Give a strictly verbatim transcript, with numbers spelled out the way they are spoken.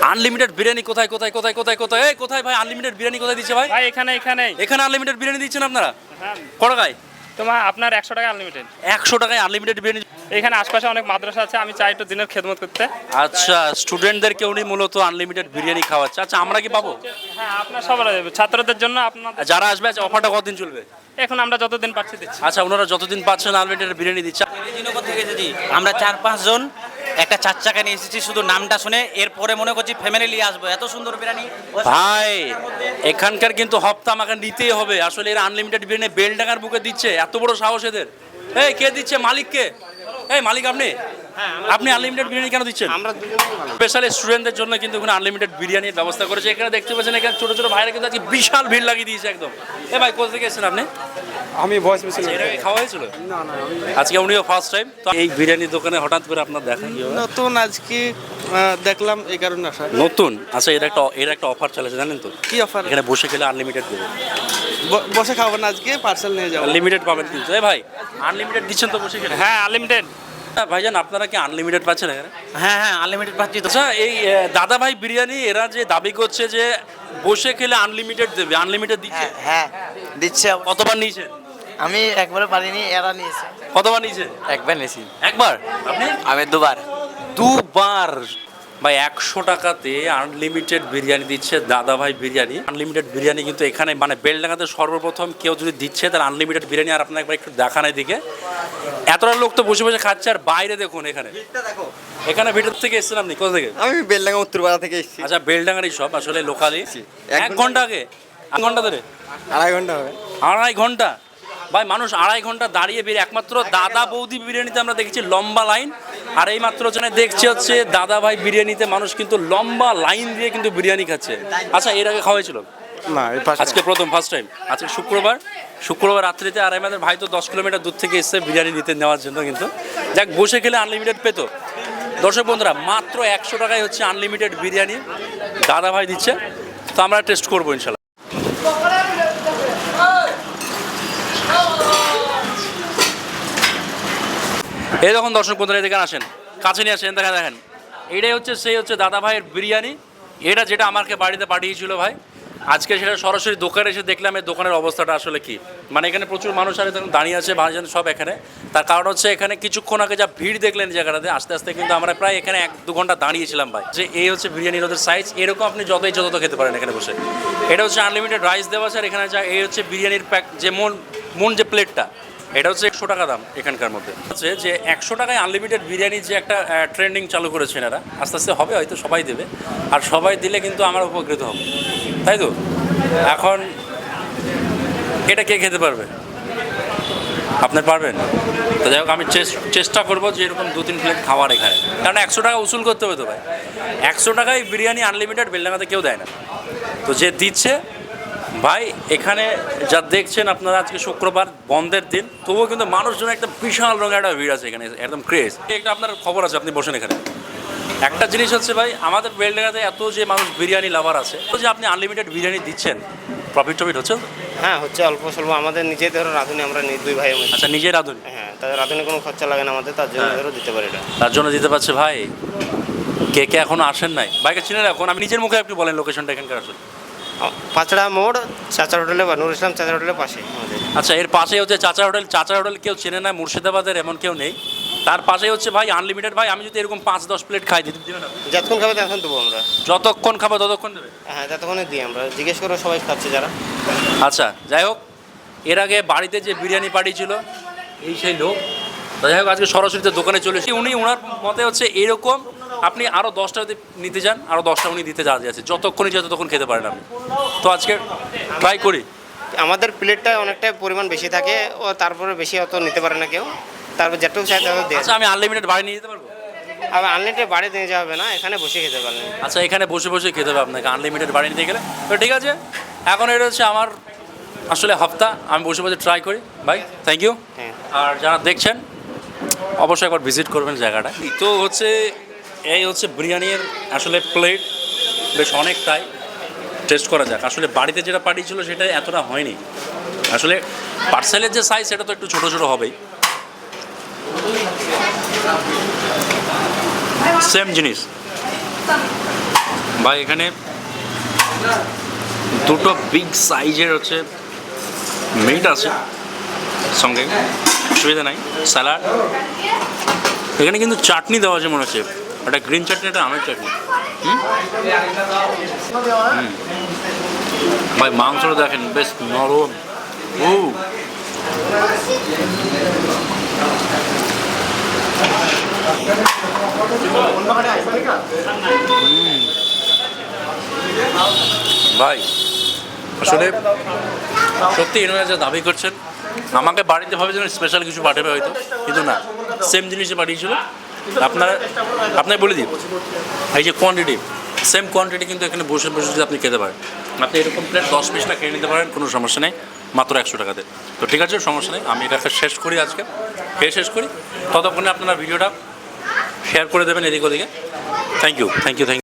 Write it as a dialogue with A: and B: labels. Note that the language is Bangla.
A: আনলিমিটেড বিরিয়ানি কোথায় কোথায় কোথায় কোথায় কোথায় এই কোথায় ভাই আনলিমিটেড বিরিয়ানি কোথায় দিচ্ছে ভাই?
B: ভাই এখানে এখানে
A: এখানে আনলিমিটেড বিরিয়ানি দিচ্ছেন আপনারা?
B: হ্যাঁ
A: কত টাকায়?
B: তোমার আপনার একশো টাকা আনলিমিটেড।
A: একশো টাকায় আনলিমিটেড বিরিয়ানি?
B: এখানে আশপাশে অনেক মাদ্রাসা আছে, আমি চাই একটু দিনের খেদমত করতে।
A: আচ্ছা, স্টুডেন্টদেরকে উনি মূলত আনলিমিটেড বিরিয়ানি খাওয়াচ্ছে। আচ্ছা, আমরা কি পাবো?
B: হ্যাঁ আপনার সবার ছাত্রদের জন্য আপনার
A: যারা আসবে আচ্ছা, অফারটা কতদিন চলবে?
B: এখন আমরা যতদিন পাচ্ছি দিচ্ছি।
A: আচ্ছা, ওনারা যতদিন পাচ্ছেন আনলিমিটেড বিরিয়ানি দিচ্ছে।
C: নগর থেকে যদি আমরা চার পাঁচজন একটা চার চাকা নিয়ে এসেছি, শুধু নামটা শুনে এরপরে মনে করছি ফ্যামিলি নিয়ে আসবো, এত সুন্দর বিরিয়ানি
A: ভাই এখানকার কিন্তু হপ্তা আমাকে নিতেই হবে। আসলে এরা আনলিমিটেড বিরিয়ানি বেলডাঙ্গার বুকে দিচ্ছে, এত বড় সাহস এদের। এই কে দিচ্ছে? মালিক কে? এই মালিক আপনি? আপনি আনলিমিটেড বিরিয়ানি কেন দিচ্ছেন?
C: আমরা
A: স্পেশালি স্টুডেন্টদের জন্য কিন্তু এখানে আনলিমিটেড বিরিয়ানির ব্যবস্থা করেছে। এখানে দেখতে পাচ্ছেন এখানে ছোট ছোট ভাইরা কিন্তু আজকে বিশাল ভিড় লাগিয়ে দিয়েছে একদম। এ ভাই কোথা থেকে এসেছেন আপনি?
D: আমি ভয়েস মেসেজ
A: এর আগে খাওয়া হয়েছিল? আজকে উনিও ফার্স্ট টাইম। তো এই বিরিয়ানি দোকানে হঠাৎ করে আপনার দেখা কি হবে?
D: নতুন আজকে আহ, দেখলাম এই কারণে আসা।
A: নতুন? আচ্ছা, এর একটা এর একটা অফার চলেছে জানেন তো?
D: কি অফার?
A: এখানে বসে খেলে আনলিমিটেড দেবে।
D: বসে খাবেন আজকে, পার্সেল নিয়ে যাবো।
A: লিমিটেড পাবেন কিন্তু। এ ভাই আনলিমিটেড দিচ্ছেন তো বসে খেলে?
B: হ্যাঁ আনলিমিটেড।
A: ভাইজান আপনারা কি আনলিমিটেড পাচ্ছেন এখানে?
C: হ্যাঁ হ্যাঁ আনলিমিটেড পাচ্ছি তো।
A: আচ্ছা, এই আহ, দাদা ভাই বিরিয়ানি এরা যে দাবি করছে যে বসে খেলে আনলিমিটেড দেবে, আনলিমিটেড দিচ্ছে?
E: হ্যাঁ দিচ্ছে।
A: কতবার নিয়েছেন?
E: আমি একবারে পারিনি, এরা নিয়েছে।
A: কতবার নিয়েছেন?
E: একবার নিয়েছি।
A: একবার? আপনি?
E: আমি দুবার।
A: দুবার? ভাই একশো টাকাতে আনলিমিটেড বিরিয়ানি দিচ্ছে দাদা ভাই বিরিয়ানি। আনলিমিটেড বিরিয়ানি কিন্তু এখানে মানে বেলডাঙ্গাতে সর্বপ্রথম কেউ যদি দিচ্ছে তার আনলিমিটেড বিরিয়ানি। আর আপনার একবার একটু দেখান এদিকে, এতটা লোক তো বসে বসে খাচ্ছে। আর বাইরে দেখুন এখানে, এখানে ভিতর থেকে এসেছেন আপনি? কোথা থেকে?
D: আমি বেলডাঙ্গা উত্তরপাড়া থেকে এসেছি।
A: আচ্ছা, বেলডাঙ্গারই সব আসলে লোকালি। এক ঘন্টা আগে? এক ঘন্টা ধরে?
D: আড়াই ঘন্টা হবে।
A: আড়াই ঘন্টা? ভাই মানুষ আড়াই ঘন্টা দাঁড়িয়ে বেরিয়ে একমাত্র দাদা বৌদি বিরিয়ানিতে আমরা দেখেছি লম্বা লাইন। আর এই মাত্র যেখানে দেখছি হচ্ছে দাদা ভাই বিরিয়ানিতে মানুষ কিন্তু লম্বা লাইন দিয়ে কিন্তু বিরিয়ানি খাচ্ছে। আচ্ছা, এর আগে খাওয়া হয়েছিল?
D: না, এই পাশে।
A: আজকে প্রথম, ফার্স্ট টাইম। আজকে শুক্রবার, শুক্রবার রাত্রিতে। আর আমাদের ভাই তো দশ কিলোমিটার দূর থেকে এসছে বিরিয়ানি নিতে নেওয়ার জন্য। কিন্তু যাক, বসে খেলে আনলিমিটেড পেতো। দর্শক বন্ধুরা, মাত্র একশো টাকায় হচ্ছে আনলিমিটেড বিরিয়ানি দাদা ভাই দিচ্ছে। তো আমরা টেস্ট করবো ইনশাল্লাহ। এই দেখুন দর্শক বন্ধুরা, এদিকে আসেন, কাছে নিয়ে আসেন, দেখা দেখেন এটাই হচ্ছে সেই হচ্ছে দাদা ভাইয়ের বিরিয়ানি। এটা যেটা আমাকে বাড়িতে পাঠিয়েছিল ভাই, আজকে সেটা সরাসরি দোকানে এসে দেখলাম এই দোকানের অবস্থাটা আসলে কি। মানে এখানে প্রচুর মানুষ আর তখন দাঁড়িয়ে আছে, ভাইজান সব এখানে। তার কারণ হচ্ছে এখানে কিছুক্ষণ আগে যা ভিড় দেখলেন জায়গাটাতে, আস্তে আস্তে কিন্তু আমরা প্রায় এখানে এক দু ঘন্টা দাঁড়িয়েছিলাম ভাই। যে এই হচ্ছে বিরিয়ানির ওদের সাইজ, এরকম আপনি যতই যত খেতে পারেন এখানে বসে। এটা হচ্ছে আনলিমিটেড রাইস দেওয়া আছে। আর এখানে যা এই হচ্ছে বিরিয়ানির প্যাক, যে মন মন যে প্লেটটা, এটা হচ্ছে একশো টাকা দাম এখানকার মধ্যে। হচ্ছে যে একশো টাকায় আনলিমিটেড বিরিয়ানি যে একটা ট্রেন্ডিং চালু করেছেন এরা, আস্তে আস্তে হবে, হয়তো সবাই দেবে। আর সবাই দিলে কিন্তু আমার উপকৃত হবে, তাই তো? এখন এটা কে খেতে পারবে? আপনি পারবেন? তো যাই হোক, আমি চেষ্টা করবো যে এরকম দু তিন প্লেট খাওয়ার এখানে। কারণ একশো টাকা উসুল করতে হবে তো ভাই। একশো টাকায় বিরিয়ানি আনলিমিটেড বেলডাঙ্গাতে কেউ দেয় না। তো যে দিচ্ছে ভাই, এখানে যা দেখছেন আপনারা, আজকে শুক্রবার বন্ধের দিন, তবুও কিন্তু মানুষজন একটা বিশাল রঙের একটা ভিড় আছে এখানে, একদম ক্রেজ। একটা আপনার খবর আছে, আপনি বসেন এখানে। একটা জিনিস হচ্ছে ভাই, আমাদের বেলডাঙ্গাতে এত যে মানুষ বিরিয়ানি লাভার আছে, তো যে আপনি আনলিমিটেড বিরিয়ানি দিচ্ছেন, প্রফিট টফিট হচ্ছে?
F: হ্যাঁ হচ্ছে, অল্প স্বল্প। আমাদের নিজেদের ধরো রাঁধুনি, আমরা নি- দুই ভাই মিলে।
A: আচ্ছা, নিজের রাঁধুনি?
F: হ্যাঁ, তাদের রাঁধুনি কোনো খরচা লাগে না আমাদের, তার জন্য
A: হ্যাঁ।
F: ধরো দিতে পারি এটা।
A: তার জন্য দিতে পারছে ভাই। কে কে এখনো আসেন নাই? বাইকে চিনে রাখুন, আমি নিজের মুখে একটু বলেন লোকেশনটা এখানকার আসলে।
F: আ- পাঁচড়া মোড়, চাচার হোটেলে বা নুর ইসলাম চাচার হোটেলের পাশে আমাদের।
A: আচ্ছা, এর পাশেই হচ্ছে চাচা হোটেল। চাচা হোটেল কেউ চেনে না মুর্শিদাবাদের, এমন কেউ নেই। তার পাশেই হচ্ছে ভাই আনলিমিটেড। ভাই আমি যদি এরকম পাঁচ দশ প্লেট খাই, দিতে দেবেন আপনি?
F: যতক্ষণ খাবে তখন দেবো আমরা।
A: যতক্ষণ খাবো ততক্ষণ দেবে?
F: হ্যাঁ, যতক্ষণে দিই আমরা। জিজ্ঞেস করো সবাই খাচ্ছে যারা।
A: আচ্ছা, যাই হোক, এর আগে বাড়িতে যে বিরিয়ানি পাঠিয়েছিল এই সেই লোক। তো যাই হোক, আজকে সরাসরিতে দোকানে চলে এসেছি। উনি ওনার মতে হচ্ছে এরকম আপনি আরও দশটা যদি নিতে যান, আরও দশটা উনি দিতে যা আছে, যতক্ষণই যত তখন খেতে পারেন আপনি। তো আজকে ট্রাই করি।
F: আমাদের প্লেটটা অনেকটা পরিমাণ বেশি থাকে, ও তারপরে বেশি অত নিতে পারে না কেউ। তারপর যেটুকু চাই তত দিয়ে।
A: আচ্ছা, আমি আনলিমিটেড বাড়ি নিয়ে যেতে পারবো?
F: আবার আনলিমিটেড বাড়ি নিয়ে যাওয়া হবে না, এখানে বসে খেতে পারলেন।
A: আচ্ছা, এখানে বসে বসে খেতে হবে আপনাকে আনলিমিটেড বাড়ি নিতে গেলে? তো ঠিক আছে, এখন এটা হচ্ছে আমার আসলে হপ্তা, আমি বসে বসে ট্রাই করি ভাই। Thank you.
F: হ্যাঁ।
A: আর যারা দেখছেন অবশ্যই একবার ভিজিট করবেন জায়গাটা। তো হচ্ছে এই হচ্ছে বিরিয়ানির আসলে প্লেট, বেশ অনেকটাই। টেস্ট করা যাক। আসলে বাড়িতে যেটা পাঠিয়েছিল সেটা এতটা হয়নি। আসলে পার্সেলের যে সাইজ সেটা তো একটু ছোটো ছোটো হবেই। সেম জিনিস। ভাই এখানে দুটো বিগ সাইজের হচ্ছে মিট আছে সঙ্গে, অসুবিধা নাই, স্যালাড। এখানে কিন্তু চাটনি দেওয়া আছে মনে হচ্ছে, একটা গ্রিন চাটনি, একটা আমের চাটনি। হুম? হুম। ভাই মাংসটা দেখেন বেশ নরম। ও ভাই আসলে সত্যি এনারা যা দাবি করছেন, আমাকে বাড়িতে ভাবে যেন স্পেশাল কিছু পাঠাবে হয়তো, কিন্তু না, সেম জিনিসে পাঠিয়েছিল। আপনারা আপনাকে বলে দিই, এই যে কোয়ান্টিটি, সেম কোয়ান্টিটি কিন্তু এখানে বসে বসে যদি আপনি খেতে পারেন, আপনি এরকম প্লেট দশ পিসটা খেয়ে নিতে পারেন, কোনো সমস্যা নেই, মাত্র একশো টাকাতে। তো ঠিক আছে, সমস্যা নেই, আমি এটাকে শেষ করি আজকে, খেয়ে শেষ করি। ততক্ষণে আপনারা ভিডিওটা শেয়ার করে দেবেন এদিক ওদিকে। Thank you thank you thank you